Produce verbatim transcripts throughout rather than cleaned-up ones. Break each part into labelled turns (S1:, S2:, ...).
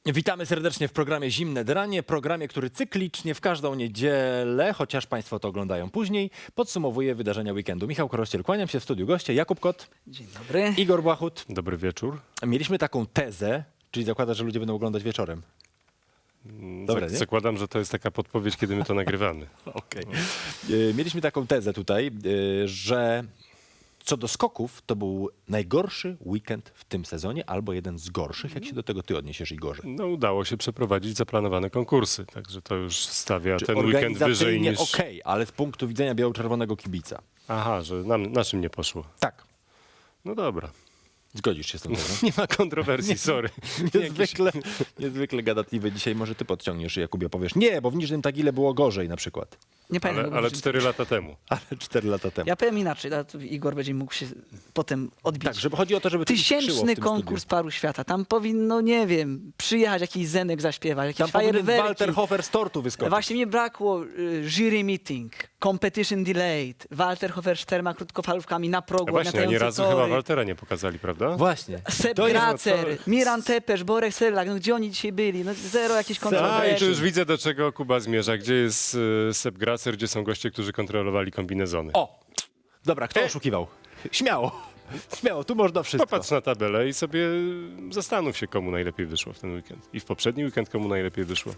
S1: Witamy serdecznie w programie Zimne Dranie, programie, który cyklicznie w każdą niedzielę, chociaż Państwo to oglądają później, podsumowuje wydarzenia weekendu. Michał Korościel, kłaniam się w studiu goście, Jakub Kot,
S2: Dzień dobry.
S1: Igor Błachut.
S3: Dobry wieczór.
S1: Mieliśmy taką tezę, czyli zakłada, że ludzie będą oglądać wieczorem. Dobre,
S3: Zak-
S1: nie?
S3: Zakładam, że to jest taka podpowiedź, kiedy my to nagrywamy.
S1: Okej. E, Mieliśmy taką tezę tutaj, e, że co do skoków, to był najgorszy weekend w tym sezonie, albo jeden z gorszych. Jak się do tego ty odniesiesz, Igorze?
S3: No udało się przeprowadzić zaplanowane konkursy, także to już stawia
S1: Czy
S3: ten weekend wyżej
S1: organizacyjnie
S3: niż...
S1: okej, ale z punktu widzenia biało-czerwonego kibica.
S3: Aha, że nam, naszym nie poszło.
S1: Tak.
S3: No dobra.
S1: Zgodzisz się z tą tezą?
S3: Nie ma kontrowersji, sorry.
S1: Niezwykle, niezwykle gadatliwy dzisiaj. Może ty podciągniesz, Jakubie, powiesz nie, bo w Niżnym Tagile było gorzej na przykład.
S2: Nie pamiętam.
S3: Ale,
S2: bo
S3: ale
S2: może-
S3: cztery lata temu.
S1: Ale cztery lata temu.
S2: Ja powiem inaczej, a tu Igor będzie mógł się potem odbić.
S1: Tak, żeby chodzi o to, żeby to skrzyło w
S2: Tysięczny
S1: tym
S2: konkurs
S1: studiu.
S2: paru świata. Tam powinno, nie wiem, przyjechać jakiś Zenek zaśpiewać, jakieś
S1: Tam powinien
S2: fajerwerki.
S1: Walter Hofer z tortu wyskoczyć.
S2: Właśnie mi brakło y, jury meeting, competition delayed, Walter Hofer czterema krótkofalówkami na progu,
S3: A właśnie, ani
S2: latające
S3: razu
S2: tory.
S3: chyba Waltera nie pokazali, prawda?
S1: Właśnie.
S2: Sepp
S1: To jest-
S2: Gracer,
S3: no to-
S2: Miran Tepesz, Borek Serlak, no gdzie oni dzisiaj byli? No zero jakichś
S3: A, i
S2: kontrowersji.
S3: tu już widzę, do czego Kuba zmierza. Gdzie jest y, Sepp Gracer, gdzie są goście, którzy kontrolowali kombinezony.
S1: O! Dobra, kto
S3: E.
S1: oszukiwał? Śmiało. Śmiało, tu można wszystko.
S3: Popatrz na tabelę i sobie zastanów się, komu najlepiej wyszło w ten weekend. I w poprzedni weekend komu najlepiej wyszło.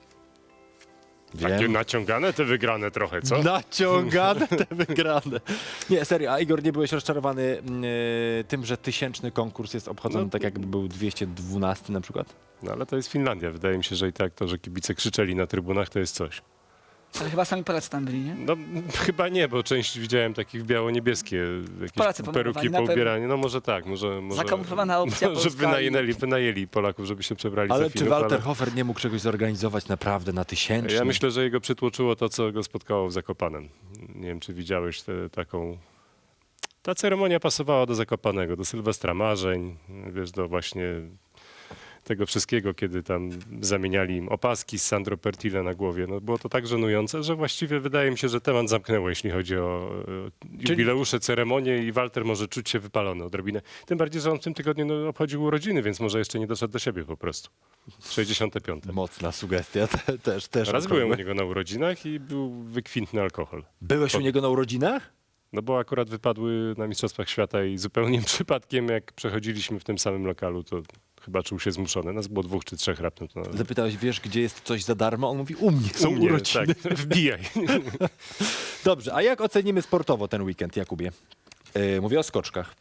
S3: Takie
S1: Wiem.
S3: naciągane te wygrane trochę, co?
S1: Naciągane te wygrane. Nie, serio, a Igor, nie byłeś rozczarowany mm, y, tym, że tysięczny konkurs jest obchodzony
S3: No.
S1: tak, jakby był dwieście dwunasty na przykład?
S3: No ale to jest Finlandia. Wydaje mi się, że i tak to, że kibice krzyczeli na trybunach, to jest coś.
S2: Ale chyba sami Polacy tam byli, nie?
S3: No chyba nie, bo część widziałem takich biało-niebieskie,
S2: Polacy
S3: jakieś
S2: pomalowani,
S3: peruki
S2: na pewno.
S3: poubieranie. No może tak, może... może
S2: Zakamuflowana opcja
S3: Może
S2: polska
S3: wynajęli, wynajęli Polaków, żeby się przebrali
S1: Ale
S3: za
S1: czy
S3: Finów,
S1: Walter
S3: ale...
S1: Hofer nie mógł czegoś zorganizować naprawdę na tysięczny?
S3: Ja myślę, że jego przytłoczyło to, co go spotkało w Zakopanem. Nie wiem, czy widziałeś tę taką... Ta ceremonia pasowała do Zakopanego, do Sylwestra Marzeń, wiesz, do właśnie tego wszystkiego, kiedy tam zamieniali im opaski z Sandro Pertile na głowie. No, było to tak żenujące, że właściwie wydaje mi się, że temat zamknęło, jeśli chodzi o e, jubileusze, ceremonie i Walter może czuć się wypalony odrobinę. Tym bardziej, że on w tym tygodniu no, obchodził urodziny, więc może jeszcze nie doszedł do siebie po prostu. sześćdziesiąte piąte.
S1: Mocna sugestia, te, też, też.
S3: Raz
S1: okrągłe.
S3: byłem u niego na urodzinach i był wykwintny alkohol.
S1: Byłeś u niego na urodzinach?
S3: No bo akurat wypadły na Mistrzostwach Świata i zupełnie przypadkiem, jak przechodziliśmy w tym samym lokalu, to chyba czuł się zmuszony. Nas było dwóch czy trzech raptem. To...
S1: Zapytałeś, wiesz, gdzie jest coś za darmo? On mówi, u mnie są
S3: U mnie,
S1: urodziny.
S3: tak, wbijaj.
S1: Dobrze, a jak ocenimy sportowo ten weekend, Jakubie? Yy, mówię o skoczkach.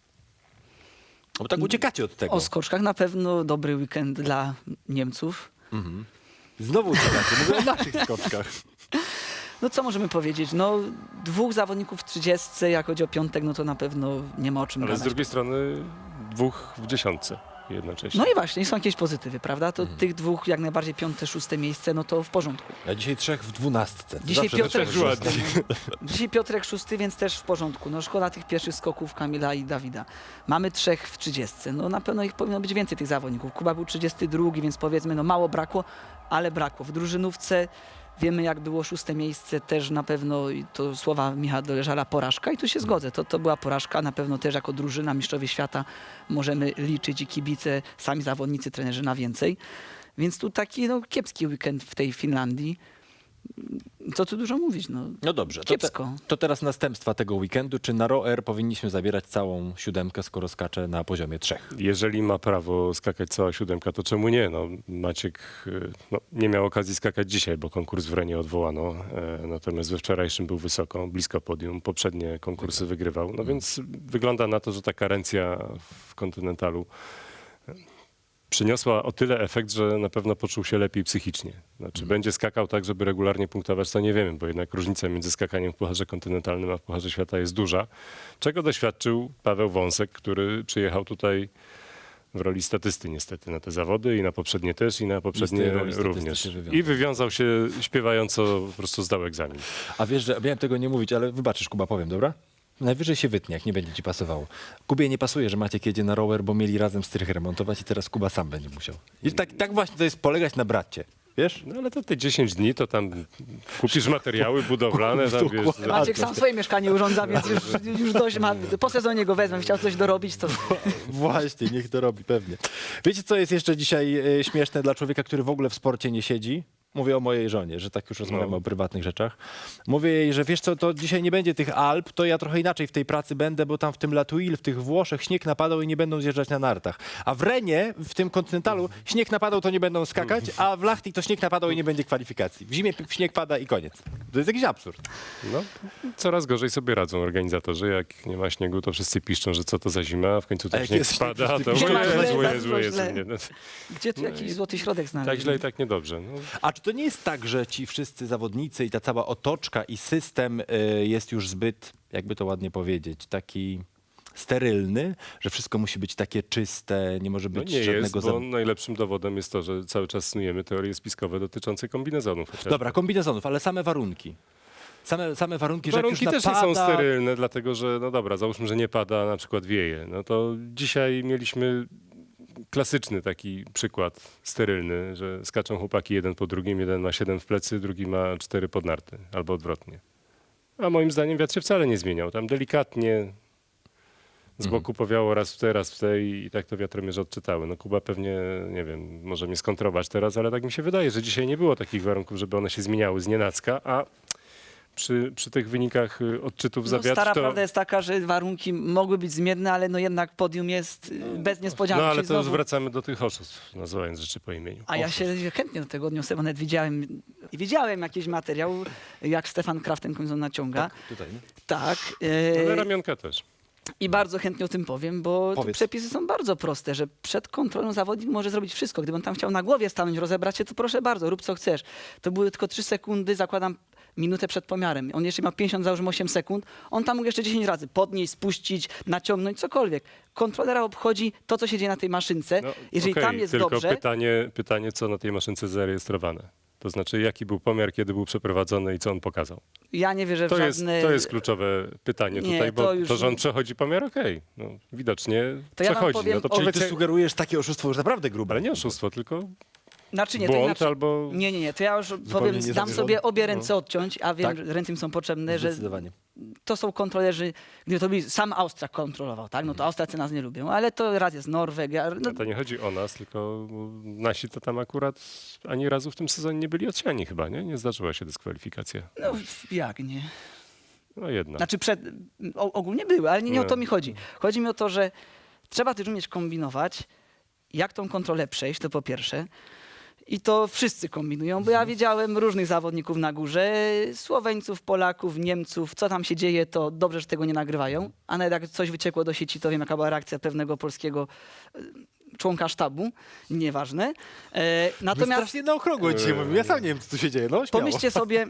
S1: Bo tak uciekacie od tego.
S2: O skoczkach na pewno dobry weekend dla Niemców.
S1: Znowu uciekacie, mówię o naszych skoczkach.
S2: No co możemy powiedzieć? No dwóch zawodników w trzydziestce, jak chodzi o piątek, no to na pewno nie ma o czym
S3: Ale
S2: gadać.
S3: z drugiej strony dwóch w dziesiątce jednocześnie.
S2: No i właśnie, są jakieś pozytywy, prawda? To tych dwóch jak najbardziej piąte, szóste miejsce, no to w porządku.
S1: A dzisiaj trzech w dwunastce. To
S2: Dzisiaj
S1: zawsze
S2: Piotrek
S1: trzech
S3: ładnie.
S2: szósty. Dzisiaj Piotrek szósty, więc też w porządku. No szkoda tych pierwszych skoków Kamila i Dawida. Mamy trzech w trzydziestce. No na pewno ich powinno być więcej tych zawodników. Kuba był trzydziesty drugi, więc powiedzmy, no mało brakło, ale brakło. W drużynówce wiemy, jak było szóste miejsce, też na pewno, i to słowa Michała Doleżala, porażka i tu się zgodzę. To, to była porażka, na pewno też jako drużyna mistrzowie świata możemy liczyć i kibice, sami zawodnicy, trenerzy na więcej. Więc tu taki no, kiepski weekend w tej Finlandii. Co tu dużo mówić, no.
S1: No dobrze, to, te,
S2: Kiepsko.
S1: to teraz następstwa tego weekendu. Czy na rower powinniśmy zabierać całą siódemkę, skoro skacze na poziomie trzech?
S3: Jeżeli ma prawo skakać cała siódemka, to czemu nie? No, Maciek y, no, nie miał okazji skakać dzisiaj, bo konkurs w Renie odwołano. E, natomiast we wczorajszym był wysoko, blisko podium. Poprzednie konkursy wygrywał. No więc wygląda na to, że ta karencja w kontynentalu przyniosła o tyle efekt, że na pewno poczuł się lepiej psychicznie. Znaczy będzie skakał tak, żeby regularnie punktować, to nie wiemy, bo jednak różnica między skakaniem w Pucharze Kontynentalnym a w Pucharze Świata jest duża. Czego doświadczył Paweł Wąsek, który przyjechał tutaj w roli statysty niestety na te zawody i na poprzednie też i na poprzednie
S1: roli statysty
S3: również.
S1: się wywiązał.
S3: I wywiązał się śpiewająco, po prostu zdał egzamin.
S1: A wiesz, że miałem tego nie mówić, ale wybaczysz, Kuba, powiem, dobra? Najwyżej się wytnie, jak nie będzie ci pasowało. Kubie nie pasuje, że Maciek jedzie na rower, bo mieli razem strych remontować i teraz Kuba sam będzie musiał. I tak, tak właśnie to jest polegać na bracie. wiesz?
S3: No ale to te dziesięć dni, to tam kupisz materiały budowlane, tam wiesz...
S1: Dokładnie.
S2: Maciek sam swoje mieszkanie urządza, więc już, już dość ma. Po sezonie go wezmę, chciał coś dorobić, to
S1: Właśnie, niech to robi, pewnie. Wiecie, co jest jeszcze dzisiaj e, śmieszne dla człowieka, który w ogóle w sporcie nie siedzi? Mówię o mojej żonie, że tak już rozmawiamy
S3: No.
S1: o prywatnych rzeczach. Mówię jej, że wiesz co, to dzisiaj nie będzie tych Alp, to ja trochę inaczej w tej pracy będę, bo tam w tym Latuil, w tych Włoszech śnieg napadał i nie będą zjeżdżać na nartach. A w Renie, w tym kontynentalu, śnieg napadał, to nie będą skakać, a w Lahti to śnieg napadał i nie będzie kwalifikacji. W zimie p- śnieg pada i koniec. To jest jakiś absurd.
S3: No, coraz gorzej sobie radzą organizatorzy. Jak nie ma śniegu, to wszyscy piszczą, że co to za zima, a w końcu
S1: A
S3: ten
S1: jak
S3: śnieg
S1: jest śnieg,
S3: spada,
S1: wszyscy
S3: to
S1: piszczą,
S3: Jezu,
S2: że źle,
S3: Jezu,
S2: bardzo
S3: Jezu,
S2: źle.
S3: nie, no,
S2: gdzie tu jakiś złoty środek znaleźć?
S3: tak źle i tak niedobrze. No.
S1: A czy to nie jest tak, że ci wszyscy zawodnicy i ta cała otoczka i system y, jest już zbyt, jakby to ładnie powiedzieć, taki sterylny, że wszystko musi być takie czyste, nie może
S3: No
S1: być
S3: nie jest,
S1: żadnego...
S3: bo
S1: za-
S3: najlepszym dowodem jest to, że cały czas snujemy teorie spiskowe dotyczące kombinezonów. chociażby.
S1: Dobra, kombinezonów, ale same warunki. Same, same warunki, że
S3: Warunki
S1: jak już
S3: też nie są
S1: napada...
S3: sterylne, dlatego że, no dobra, załóżmy, że nie pada, a na przykład wieje. No to dzisiaj mieliśmy klasyczny taki przykład sterylny, że skaczą chłopaki jeden po drugim, jeden ma siedem w plecy, drugi ma cztery pod narty, albo odwrotnie. A moim zdaniem wiatr się wcale nie zmieniał. Tam delikatnie z boku powiało raz w te, raz w te i, i tak to wiatromierze odczytały. No Kuba pewnie, nie wiem, może mnie skontrować teraz, ale tak mi się wydaje, że dzisiaj nie było takich warunków, żeby one się zmieniały z nienacka, a przy, przy tych wynikach y, odczytów za
S2: No,
S3: wiatr
S2: stara
S3: to...
S2: prawda jest taka, że warunki mogły być zmienne, ale no jednak podium jest y, bez niespodzianki.
S3: No ale
S2: czyli
S3: to już
S2: znowu-
S3: wracamy do tych oszustw, nazywając rzeczy po imieniu.
S2: A ja się chętnie do tego odniosę, bo nawet widziałem, widziałem jakiś materiał, jak Stefan Kraft ten kombinezon naciąga.
S1: Tutaj, nie?
S2: Tak.
S3: Ale
S2: e,
S3: ramionka też.
S2: I bardzo chętnie o tym powiem, bo tu
S1: Powiedz.
S2: przepisy są bardzo proste, że przed kontrolą zawodnik może zrobić wszystko. Gdyby on tam chciał na głowie stanąć, rozebrać się, to proszę bardzo, rób co chcesz. To były tylko trzy sekundy, zakładam minutę przed pomiarem. On jeszcze miał pięćdziesiąt, załóżmy osiem sekund. On tam mógł jeszcze dziesięć razy podnieść, spuścić, naciągnąć, cokolwiek. Kontrolera obchodzi to, co się dzieje na tej maszynce.
S3: No,
S2: Jeżeli
S3: okej,
S2: tam jest
S3: tylko
S2: dobrze,
S3: pytanie, pytanie, co na tej maszynce zarejestrowane. To znaczy, jaki był pomiar, kiedy był przeprowadzony i co on pokazał.
S2: ja nie wierzę w
S3: To jest,
S2: żadne...
S3: to jest kluczowe pytanie
S2: Nie,
S3: tutaj, bo
S2: to
S3: to,
S2: już-
S3: że on przechodzi pomiar, okej. No, widocznie
S2: To ja wam
S3: przechodzi.
S2: powiem
S3: no to
S2: o-
S1: Czyli
S3: powiedz,
S1: ty sugerujesz takie oszustwo już naprawdę grube.
S3: ale nie oszustwo, tylko
S2: Znaczy nie, to
S3: błąd
S2: inaczej.
S3: albo...
S2: Nie, nie, nie, to ja już powiem, dam
S1: niezamierzony.
S2: sobie obie ręce odciąć, a wiem,
S1: Tak?
S2: że ręce mi są potrzebne, że
S1: Zdecydowanie.
S2: to są kontrolerzy, gdyby to byli, sam Austriak kontrolował, tak, no to Austriacy nas nie lubią, ale to raz jest Norwegia, no,
S3: No to nie chodzi o nas, tylko nasi to tam akurat ani razu w tym sezonie nie byli odsiani chyba, nie? Nie zdarzyła się dyskwalifikacja.
S2: no jak nie.
S3: No jedna.
S2: Znaczy przed, o, ogólnie były, ale nie, nie o to
S3: Nie.
S2: mi chodzi. Chodzi mi o to, że trzeba też umieć kombinować, jak tą kontrolę przejść, to po pierwsze. I to wszyscy kombinują, bo ja widziałem różnych zawodników na górze, Słoweńców, Polaków, Niemców, co tam się dzieje, to dobrze, że tego nie nagrywają, a nawet jak coś wyciekło do sieci, to wiem, jaka była reakcja pewnego polskiego e, członka sztabu, nieważne. E,
S1: My
S2: natomiast
S1: strasznie na okrągło dzisiaj mówimy. Ja sam nie wiem, co tu się dzieje. No, śmiało.
S2: pomyślcie sobie,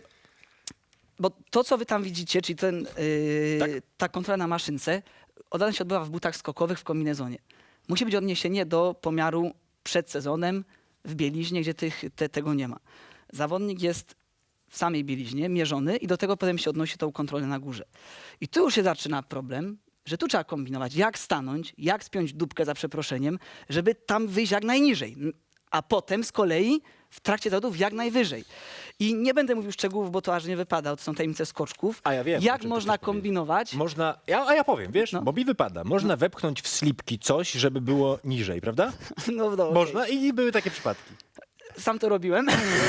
S2: bo to, co wy tam widzicie, czyli ten, yy,
S1: Tak.
S2: ta kontrola na maszynce, ona się odbywa w butach skokowych w kombinezonie. Musi być odniesienie do pomiaru przed sezonem w bieliźnie, gdzie tych, te, tego nie ma. Zawodnik jest w samej bieliźnie, mierzony i do tego potem się odnosi tą kontrolę na górze. I tu już się zaczyna problem, że tu trzeba kombinować, jak stanąć, jak spiąć dupkę za przeproszeniem, żeby tam wyjść jak najniżej. A potem z kolei w trakcie zawodów jak najwyżej. I nie będę mówił szczegółów, bo to aż nie wypada, to są tajemnice skoczków.
S1: A ja wiem, o
S2: Jak
S1: czym ty
S2: można
S1: chcesz powiedzieć.
S2: kombinować?
S1: Można, ja, a ja powiem, wiesz,
S2: No.
S1: bo mi wypada. Można wepchnąć w slipki coś, żeby było niżej, prawda?
S2: No, no, okej.
S1: Można i były takie przypadki.
S2: Sam to robiłem.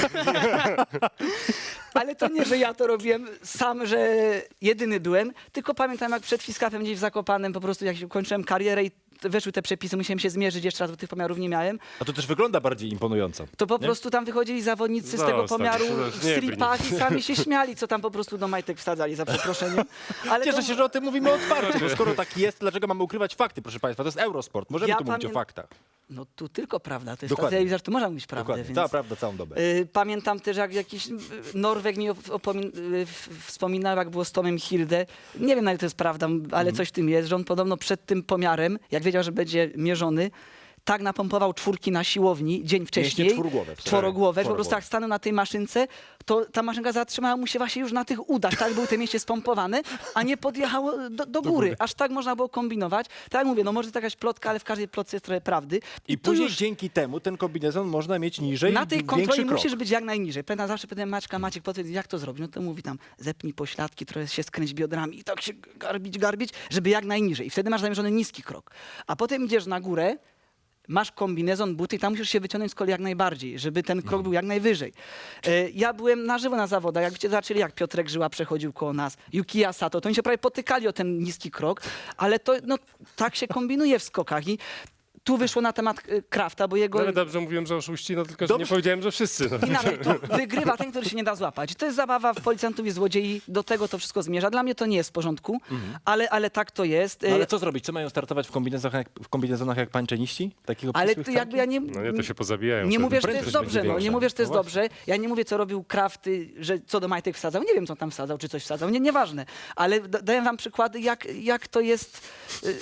S2: Ale to nie, że ja to robiłem sam, że jedyny byłem, tylko pamiętam jak przed Fiskapem gdzieś w Zakopanem po prostu jak kończyłem karierę i weszły te przepisy, musiałem się zmierzyć jeszcze raz, bo tych pomiarów nie miałem,
S1: A to też wygląda bardziej imponująco.
S2: to po
S1: Nie?
S2: prostu tam wychodzili zawodnicy z
S3: No,
S2: tego
S3: stary,
S2: pomiaru
S3: to już
S2: w
S3: nie
S2: stripach i sami się śmiali, co tam po prostu do majtek wsadzali, za przeproszeniem. Ale
S1: Cieszę
S2: to-
S1: się, że o tym mówimy otwarcie, bo skoro tak jest, dlaczego mamy ukrywać fakty, proszę Państwa? To jest Eurosport, możemy
S2: Ja
S1: tu mówić o
S2: pamię-
S1: faktach.
S2: No tu tylko prawda, to jest
S1: Dokładnie.
S2: ta telewizja, że tu można mówić prawdę.
S1: Dokładnie,
S2: Więc...
S1: cała prawda, całą dobę.
S2: Y, Pamiętam też, jak jakiś y, Norweg mi op- opomin- y, w- wspominał, jak było z Tomem Hilde. Nie wiem, na ile to jest prawda, ale
S1: Mhm.
S2: coś w tym jest, że on podobno przed tym pomiarem, jak wiedział, że będzie mierzony, tak napompował czwórki na siłowni dzień wcześniej.
S1: czwórgłowe, wcale.
S2: Czworogłowe, że po
S1: Czworogłowe.
S2: prostu jak stanął na tej maszynce, to ta maszynka zatrzymała mu się właśnie już na tych udach, tak był te mięśnie spompowane, a nie podjechało do, do góry. Aż tak można było kombinować. Tak jak mówię, no może to jakaś plotka, ale w każdej plotce jest trochę prawdy.
S1: I
S2: tu
S1: później
S2: już
S1: dzięki temu ten kombinezon można mieć niżej,
S2: na tej
S1: większy
S2: kontroli
S1: krok.
S2: musisz być jak najniżej. Pamiętam, zawsze pytałem Maćka, Maciek, powiedz, jak to zrobić? No to mówi tam, zepnij pośladki, trochę się skręć biodrami i tak się garbić, garbić, żeby jak najniżej. I wtedy masz zamierzony niski krok. A potem idziesz na górę, masz kombinezon, buty i tam musisz się wyciągnąć z kolei jak najbardziej, żeby ten krok był jak najwyżej. E, ja byłem na żywo na zawodach, jakbyście zobaczyli, jak Piotrek Żyła przechodził koło nas, Yukiya Sato, to oni się prawie potykali o ten niski krok, ale to no, tak się kombinuje w skokach i tu wyszło na temat e, Krafta, bo jego...
S3: No ale dobrze mówiłem, że oszuści, no tylko że
S1: Dobrze.
S3: nie powiedziałem, że wszyscy. No.
S2: Inaczej, tu wygrywa ten, który się nie da złapać. To jest zabawa w policjantów i złodziei, do tego to wszystko zmierza. Dla mnie to nie jest w porządku, ale, ale tak to jest.
S1: No, ale co zrobić? Co mają startować w kombinezonach jak, w kombinezonach jak pańczeniści? Takiego
S2: Ale
S1: obcisłych
S2: to jakby ja nie...
S3: No nie, to się pozabijają.
S2: Nie
S3: wtedy.
S2: mówię, że to
S1: Prędkość
S2: jest dobrze,
S1: będzie
S2: no, nie
S1: większa.
S2: mówię, że to jest
S1: No właśnie.
S2: dobrze. Ja nie mówię, co robił Krafty, że co do majtek wsadzał. Nie wiem, co tam wsadzał, czy coś wsadzał. Nie, nieważne. Ale da- daję wam przykłady, jak, jak to jest y,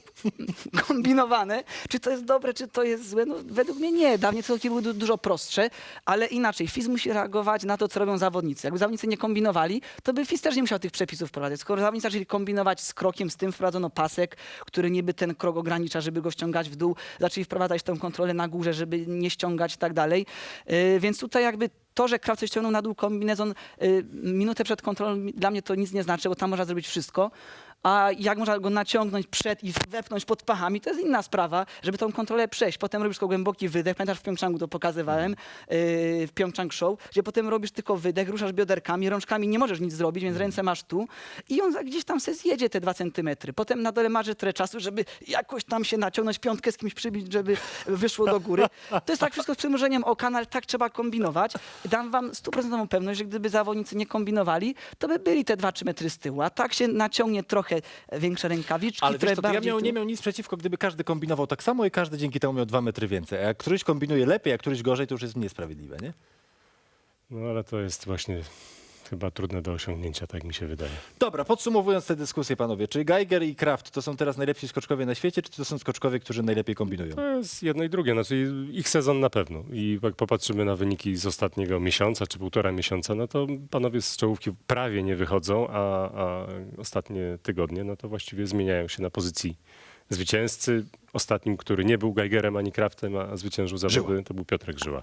S2: kombinowane. Czy to jest dobre, czy to jest złe? No, według mnie nie. Dawniej te kroki były du- dużo prostsze, ale inaczej. F I S musi reagować na to, co robią zawodnicy. Jakby zawodnicy nie kombinowali, to by F I S też nie musiał tych przepisów wprowadzać. Skoro zawodnicy zaczęli kombinować z krokiem, z tym wprowadzono pasek, który niby ten krok ogranicza, żeby go ściągać w dół. Zaczęli wprowadzać tą kontrolę na górze, żeby nie ściągać i tak dalej. Yy, Więc tutaj jakby to, że Kraft coś ściągnął na dół kombinezon y, minutę przed kontrolą, mi- dla mnie to nic nie znaczy, bo tam można zrobić wszystko. A jak można go naciągnąć przed i wepchnąć pod pachami, to jest inna sprawa, żeby tą kontrolę przejść. Potem robisz tylko głęboki wydech. Pamiętasz, w Pjongczangu to pokazywałem, yy, w Pjongczang Show, gdzie potem robisz tylko wydech, ruszasz bioderkami, rączkami nie możesz nic zrobić, więc ręce masz tu i on za- gdzieś tam se zjedzie te dwa centymetry. Potem na dole marzy tyle czasu, żeby jakoś tam się naciągnąć, piątkę z kimś przybić, żeby wyszło do góry. To jest tak wszystko z przymrużeniem oka, no ale tak trzeba kombinować. Dam wam stuprocentową pewność, że gdyby zawodnicy nie kombinowali, to by byli te dwa trzy metry z tyłu. A tak się naciągnie trochę większe rękawiczki,
S1: Ale
S2: trochę
S1: wiesz co, to ja
S2: bardziej
S1: miał,
S2: tu.
S1: nie miał nic przeciwko, gdyby każdy kombinował tak samo i każdy dzięki temu miał dwa metry więcej. A jak któryś kombinuje lepiej, a któryś gorzej, to już jest niesprawiedliwe, nie?
S3: No ale to jest właśnie chyba trudne do osiągnięcia, tak mi się wydaje.
S1: Dobra, podsumowując tę dyskusję, panowie, czy Geiger i Kraft to są teraz najlepsi skoczkowie na świecie, czy to są skoczkowie, którzy najlepiej kombinują?
S3: To jest jedno i drugie, znaczy ich sezon na pewno. I jak popatrzymy na wyniki z ostatniego miesiąca czy półtora miesiąca, no to panowie z czołówki prawie nie wychodzą, a, a ostatnie tygodnie, no to właściwie zmieniają się na pozycji zwycięzcy. Ostatnim, który nie był Geigerem ani Kraftem, a zwyciężył zawody, to był Piotrek Żyła.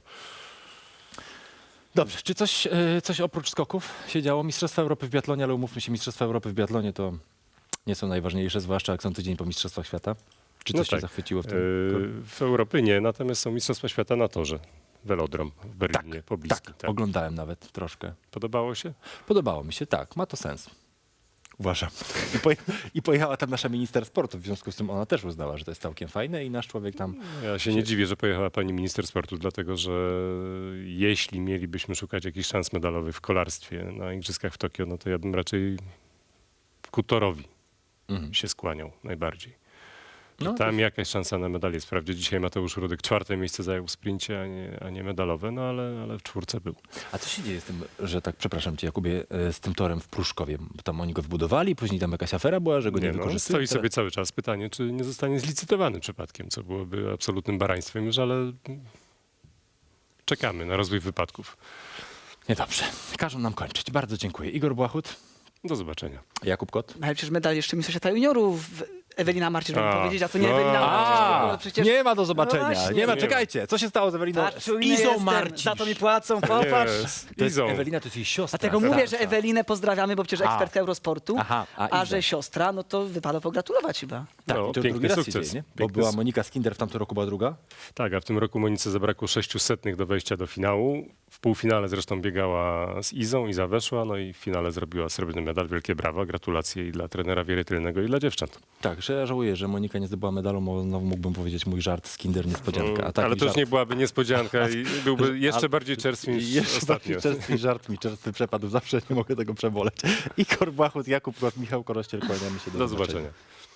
S1: Dobrze, czy coś, e, coś oprócz skoków się działo? Mistrzostwa Europy w biatlonie, ale umówmy się, Mistrzostwa Europy w biatlonie to nie są najważniejsze, zwłaszcza jak są tydzień po Mistrzostwach Świata. Czy
S3: No
S1: coś cię
S3: tak.
S1: zachwyciło w tym?
S3: Yy, w Europie nie, natomiast są Mistrzostwa Świata na torze. Velodrom w Berlinie, pobliski.
S1: tak,
S3: Tak.
S1: oglądałem nawet troszkę.
S3: Podobało się?
S1: Podobało mi się, tak, ma to sens. Uważam. I, poje, I pojechała tam nasza minister sportu, w związku z tym ona też uznała, że to jest całkiem fajne i nasz człowiek tam...
S3: Ja się nie dziwię, że pojechała pani minister sportu, dlatego że jeśli mielibyśmy szukać jakichś szans medalowych w kolarstwie na Igrzyskach w Tokio, no to ja bym raczej ku torowi
S1: Mhm.
S3: się skłaniał najbardziej. I
S1: No,
S3: tam jakaś szansa na medal jest. Wprawdzie dzisiaj Mateusz Rudek czwarte miejsce zajął w sprincie, a nie, a nie medalowe, no ale, ale w czwórce był.
S1: A co się dzieje z tym, że tak, przepraszam cię Jakubie, e, z tym torem w Pruszkowie? Tam oni go wybudowali, później tam jakaś afera była, że go nie,
S3: Nie, no,
S1: wykorzystują.
S3: stoi sobie cały czas pytanie, czy nie zostanie zlicytowany przypadkiem, co byłoby absolutnym baraństwem już, ale czekamy na rozwój wypadków.
S1: Niedobrze. Każą nam kończyć. Bardzo dziękuję. Igor Błachut,
S3: Do zobaczenia.
S1: Jakub Kot.
S2: Ale przecież medal jeszcze Mistrzostwa Świata Juniorów Ewelina Marcin, żeby
S3: A,
S2: powiedzieć, a to nie
S3: no.
S2: Ewelina Marcin. No przecież...
S1: nie ma do zobaczenia.
S2: No właśnie.
S1: nie ma,
S3: Nie
S1: czekajcie. Co się stało z Eweliną?
S2: Tak,
S1: Z
S2: czujny
S1: Izą
S2: jestem,
S1: Marcisz.
S2: za to mi płacą, popatrz.
S3: Jest.
S1: To jest
S3: Izą.
S1: Ewelina to jest jej siostra.
S2: Dlatego
S1: starsza.
S2: mówię, że Ewelinę pozdrawiamy, bo przecież
S1: A.
S2: ekspertka Eurosportu,
S1: Aha, a
S2: a
S1: Izę.
S2: że siostra, no to wypada pogratulować chyba.
S1: Tak,
S3: No,
S1: i to
S3: piękny
S1: drugi raz się
S3: sukces.
S1: dzieje, nie? Bo
S3: Piękny
S1: była
S3: su-
S1: Monika Skinder, w tamtym roku była druga.
S3: Tak, a w tym roku Monice zabrakło sześciu setnych do wejścia do finału. W półfinale zresztą biegała z Izą, Iza weszła, no i w finale zrobiła srebrny medal. Wielkie brawa, gratulacje i dla trenera Wiery Tylnego i dla dziewcząt.
S1: Tak, że ja żałuję, że Monika nie zdobyła medalu, bo znowu mógłbym powiedzieć mój żart Skinder niespodzianka. A taki
S3: Ale to już
S1: żart...
S3: nie byłaby niespodzianka i byłby jeszcze
S1: Ale-
S3: bardziej czerstwy niż
S1: Jeszcze
S3: ostatnio.
S1: bardziej czerstwy żart mi czerstwy przepadł, zawsze nie mogę tego przeboleć. Igor Błachut, Jakub Kot, Michał Korościel, kłaniamy się do,
S3: Do zobaczenia.